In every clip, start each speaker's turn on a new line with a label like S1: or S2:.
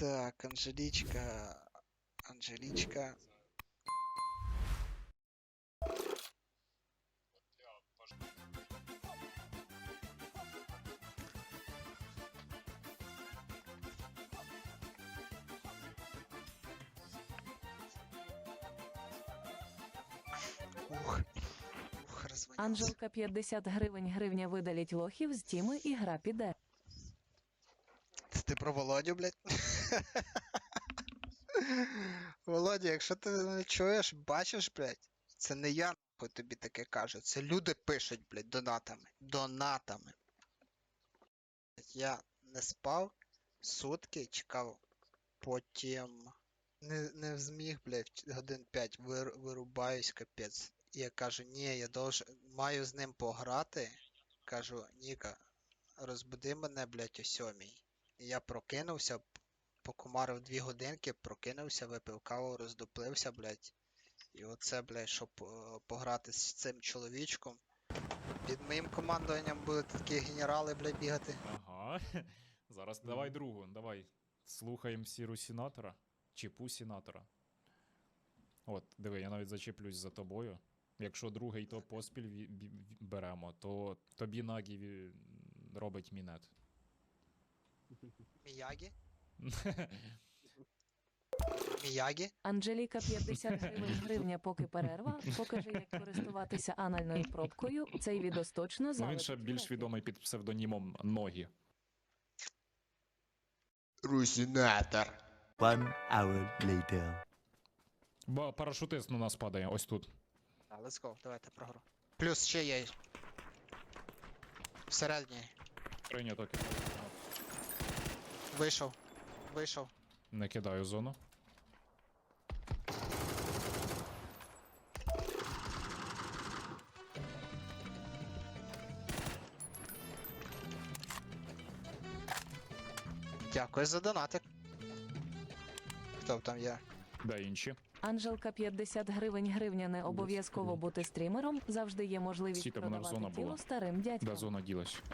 S1: Так, Анжелічка. Анжелічка. Ух, розвинявся.
S2: Анжелка 50 гривень гривня видаліть лохів з тіми і гра піде.
S1: Це ти про Володю, блядь? Володя, якщо ти не чуєш, бачиш, блядь, це не я нахуй тобі таке кажу. Це люди пишуть, блядь, донатами. Донатами. Я не спав, сутки чекав, потім не зміг, блядь, годин 5 вирубаюсь, капець. І я кажу, ні, я маю з ним пограти. Кажу, Ніка, розбуди мене, блядь, о 7-й. І я прокинувся, покумарив 2 годинки, прокинувся, випив каву, роздуплився, блядь. І оце, блядь, щоб пограти з цим чоловічком. Під моїм командуванням будуть такі генерали, блядь, бігати.
S3: Ага. Зараз давай другу, давай. Слухаємо сіру сенатора. Чи сенатора. От, диви, я навіть зачеплюсь за тобою. Якщо другий то поспіль беремо, то тобі Нагі робить мінет.
S1: Міягі? Міягі?
S2: Анжеліка 50 гривень гривня поки перерва. Покажи, як користуватися анальною пробкою. Цей відос точно
S3: Ну він
S2: залетить
S3: ще
S2: в
S3: більш
S2: ефір.
S3: відомий під псевдонімом Ногі.
S1: Русінатор.
S4: 1 hour later.
S3: Ба парашутист на нас падає, ось тут.
S1: Let's go, давайте про гру. Плюс ще є. Всередині.
S3: Прийнято.
S1: Вийшов. Вийшов.
S3: Не кидаю зону.
S1: Дякую за донатик. Хто там є?
S3: Де інші?
S2: Анжелка 50 гривень гривня не обов'язково бути стрімером. Завжди є можливість
S3: Стійте, вона ж
S2: продавати
S3: зона
S2: тіло
S3: була.
S2: старим
S3: Де
S2: дядькам.
S3: зона ділась?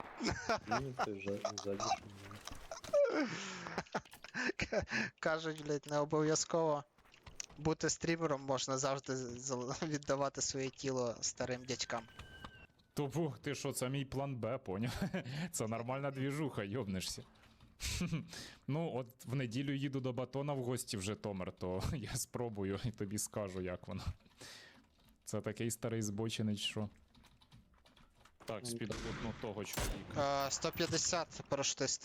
S1: Кажуть, блядь, не обов'язково бути стрімером, можна завжди віддавати своє тіло старим дядькам.
S3: Тобу, ти що, це мій план Б, поняв? Це нормальна двіжуха, йобнешся. Ну, от в неділю їду до Батона в гості в Житомир, то я спробую і тобі скажу, як воно. Це такий старий збочинець, що. Так, з-під одну того чоловіка.
S1: 150 парашутист.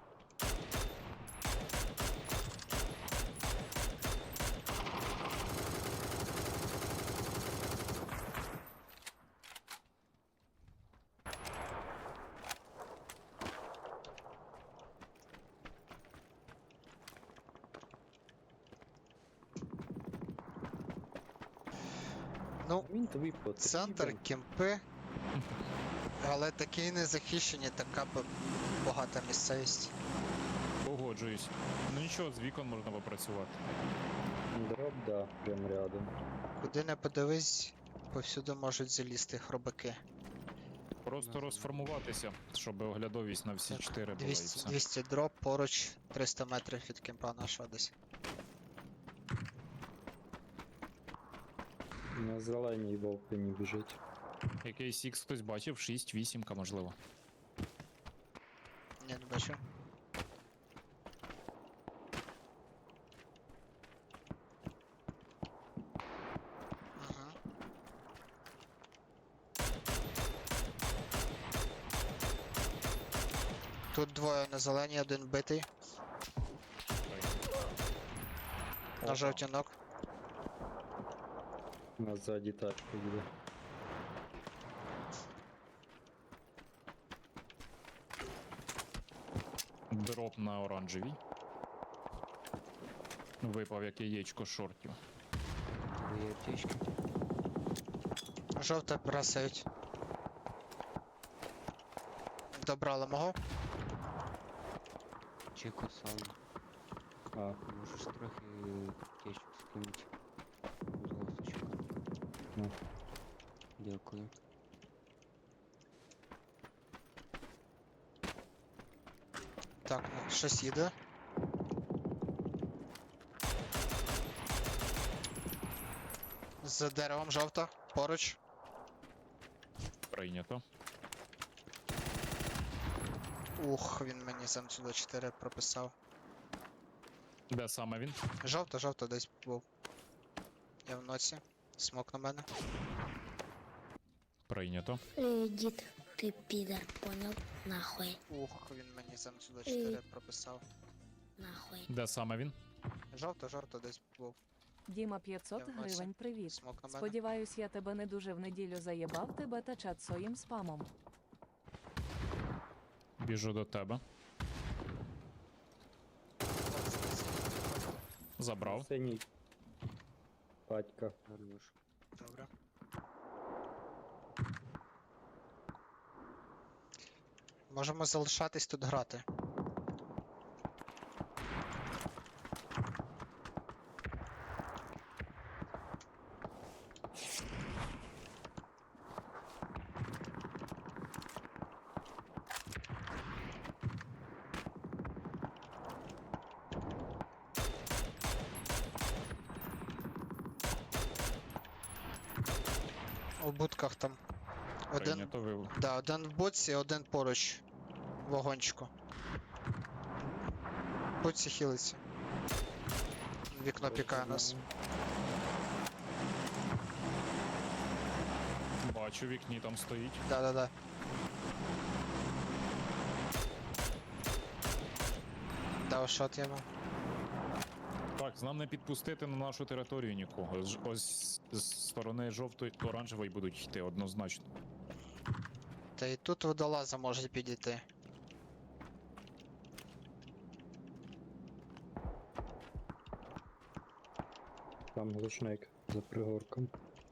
S1: Ну,
S5: Він тобі потрібен.
S1: центр, кемпи. Але такі незахищені, така багата місцевість.
S3: Погоджуюсь. Ну нічого, з вікон можна попрацювати.
S5: Дроп, да, прям рядом.
S1: Куди не подивись, повсюди можуть залізти хробаки.
S3: Просто розформуватися, щоб оглядовість на всі 4 була і
S1: 200,
S3: все.
S1: 200 дроп поруч, 300 метрів від кемпа нашого десь.
S5: На зеленій вовки не біжить.
S3: Якийсь X хтось бачив, 6-8, можливо.
S1: Ні, не бачу. Ага. Тут двоє на зеленій, один битий. На
S3: Опа.
S1: жовтій ног.
S5: На ззаді тачка їде.
S3: Дроп на оранжевій. Випав як яєчко шортів.
S6: Твої аптечки.
S1: Жовте бросають. Добрали мого.
S6: Чеку сам.
S5: А,
S6: Можеш трохи аптечок скинути. Золоточок.
S5: Ну.
S6: Дякую.
S1: Так, ну, щось їде. За деревом жовто, поруч.
S3: Прийнято.
S1: Ух, він мені сам сюди 4 прописав.
S3: Де саме він?
S1: Жовто десь був. Я в ноці. Смок на мене.
S3: Прийнято.
S7: Дід, ти підар, понял? Нахуй,
S1: Ух, він мені сам сюди 4 прописав.
S7: нахуй.
S3: Де саме він?
S1: Жовто десь був.
S2: Діма 500
S1: Я в носі.
S2: гривень, привіт.
S1: Смок на мене.
S2: Сподіваюсь, я тебе не дуже в неділю заєбав тебе та чат своїм спамом.
S3: Біжу до тебе. Забрав.
S5: Синій. Батька.
S6: Хорош.
S1: Добре. Можемо залишатись тут грати. У будках там. Один.
S3: Прийнято. Ви...
S1: Да, один в боці, один поруч. В вагончику. В боці хілиться. Вікно пікає нас.
S3: Бачу, в вікні там стоїть.
S1: Да. Дав шот йому.
S3: Так, нам не підпустити на нашу територію нікого. Ось з сторони жовтої оранжевої будуть йти однозначно.
S1: Та і тут водолаза може підійти.
S5: Там глушник за пригорком.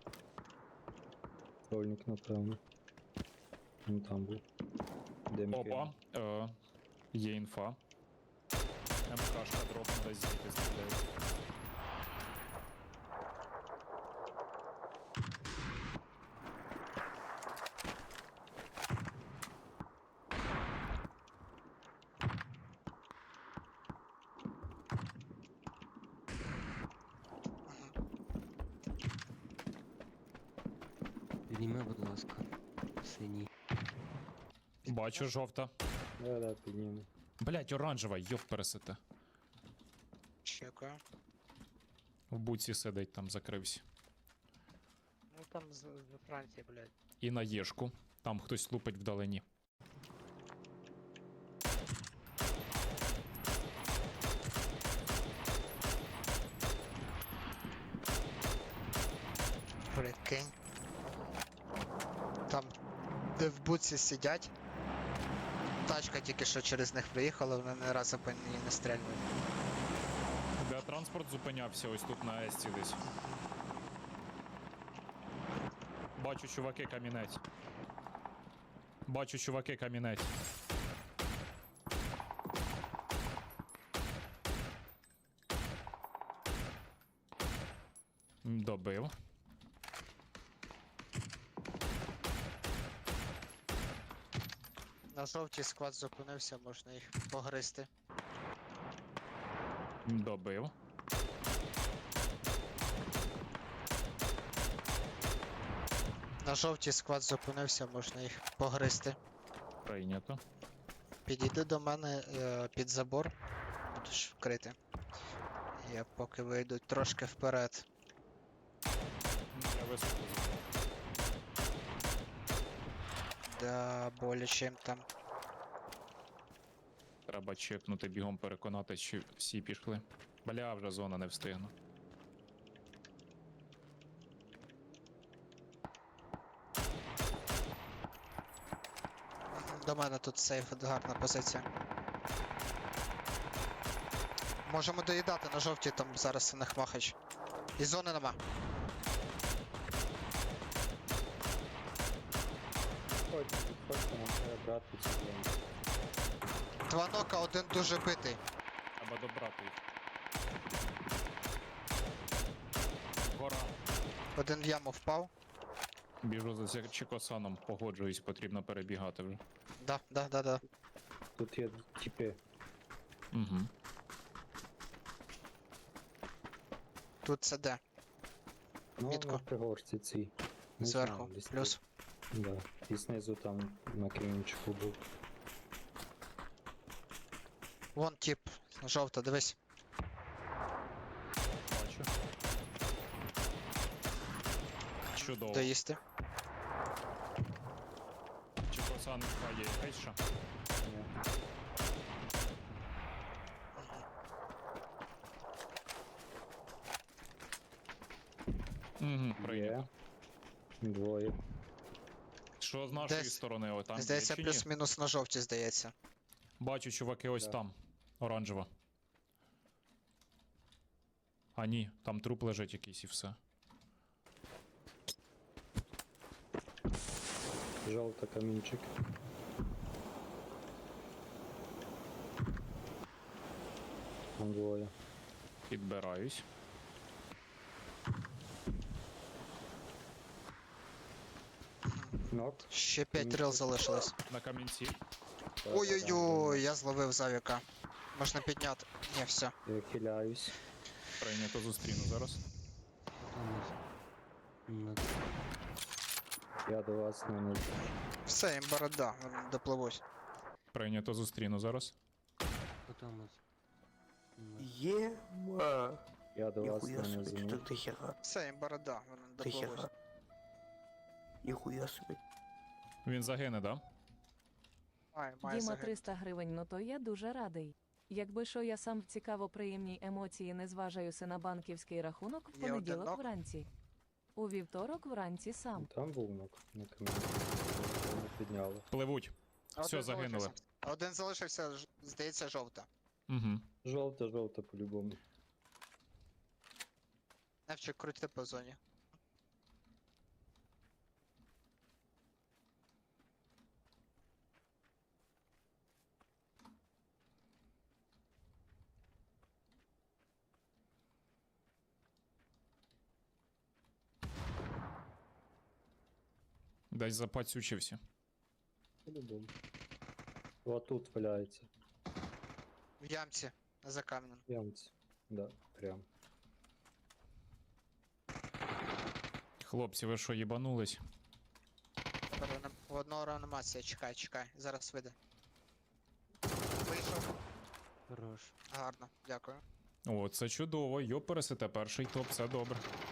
S5: Рольник, напевно. Він там був. Димки.
S3: Опа, є інфа. МКшка дропна десь звідти стріляє.
S6: Підніми, будь ласка. Синій.
S3: Бачу, жовта.
S5: Да, підніму.
S3: Блять, оранжева, йоп пересете.
S1: Чекаю.
S3: В буці сидить, там закрився.
S1: Ну там з Франції, блядь.
S3: І на єшку. Там хтось лупить вдалині.
S1: Прикинь. Там, де в буці сидять. Тачка тільки що через них приїхала, вони не разу по ній не стрельнули.
S3: Де транспорт зупинявся, ось тут на Есті десь. Бачу, чуваки, камінець. Бачу, чуваки, камінець. Добив.
S1: На жовтій склад зупинився, можна їх погризти.
S3: Добив.
S1: На жовтій склад зупинився, можна їх погризти.
S3: Прийнято.
S1: Підійди до мене під забор, будеш вкрити. Я поки вийду трошки вперед.
S3: Я високо.
S1: Да, боляче їм там.
S3: Треба чекнути, бігом переконати, чи всі пішли. Бля, вже зона не встигну.
S1: До мене тут сейф, гарна позиція. Можемо доїдати на жовтій, там зараз у них махач. І зони нема.
S5: Ходьте, нам треба брати цю зону.
S1: Два нока, один дуже битий.
S3: Треба добрати їх. Гора.
S1: Один в яму впав.
S3: Біжу за Чекосаном, погоджуюсь, потрібно перебігати вже.
S1: Да.
S5: Тут є тіпи.
S3: Угу.
S1: Тут це де?
S5: Ну,
S1: Мітку.
S5: на пригорці цій. Не
S1: Зверху,
S5: знаю, десь
S1: плюс.
S5: тут. Да. І знизу там на камінчику був.
S1: Вон тип, жовта, дивись.
S3: Бачу. Чудово.
S1: Доїсти.
S3: Чи косанка є якась ще?
S5: Ні.
S3: Угу, прийнято.
S5: Є. Двоє.
S3: Що з нашої
S1: Десь-
S3: сторони? О, там
S1: Здається,
S3: є чи ні?
S1: плюс-мінус на жовті, здається.
S3: Бачу, чуваки, ось
S5: Да.
S3: там. Оранжева. А ні, там труп лежить якийсь і все.
S5: Жовта камінчик. Там двоє.
S3: Підбираюсь.
S5: Нок.
S1: Ще 5
S5: Камінчик.
S1: рил залишилось.
S3: На камінці.
S1: Ой-ой-ой, я зловив завіка. Можна підняти. Ні, все.
S5: Я хиляюсь.
S3: Прийнято зустріну зараз.
S6: Там
S5: Я до вас не
S1: Все, їм борода, вони допливуть.
S3: Прийнято зустріну зараз.
S6: Потом от.
S8: Ема.
S5: Я до вас
S8: Нихуя
S5: не
S8: себе,
S5: зиму.
S8: так дохера.
S1: Все, їм борода, вони допливуть.
S8: Дохера. Нихуя себе.
S3: Він загине, да?
S1: Має
S2: Діма
S1: загинути.
S2: 300 гривень, ну то я дуже радий. Якби що я сам в цікаво приємній емоції не зважаюся на банківський рахунок в
S1: Є один
S2: понеділок
S1: нок.
S2: вранці. У вівторок вранці сам.
S5: Там був нок на камінчику. Не підняли.
S3: Пливуть.
S1: Один
S3: Все, загинули.
S1: залишився. Один залишився, здається, жовта.
S3: Угу.
S5: Жовта, жовта по-любому.
S1: Невчик, крути по зоні.
S3: Десь запацючився.
S5: По-любому. О, тут валяється.
S1: В ямці, за камнем.
S5: Ямці. Да, прям.
S3: Хлопці, ви що, їбанулись?
S1: В одного реанімація, чекай, чекай, зараз вийде. Вийшов,
S6: Хорош.
S1: гарно, дякую.
S3: О, це чудово. Йопересете, перший топ, все добре.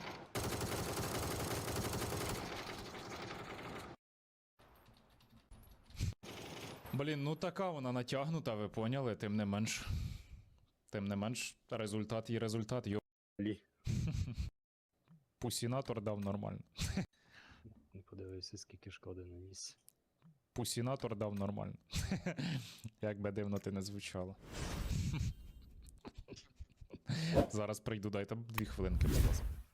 S3: Блін, ну така вона натягнута, ви поняли, тим не менш. Тим не менш, результат є результат.
S5: Лі.
S3: Пусінатор дав нормально.
S5: Не подивився, скільки шкоди наніс.
S3: Пусінатор дав нормально. Як би дивно ти не звучало. Зараз прийду, дайте 2 хвилинки, будь ласка.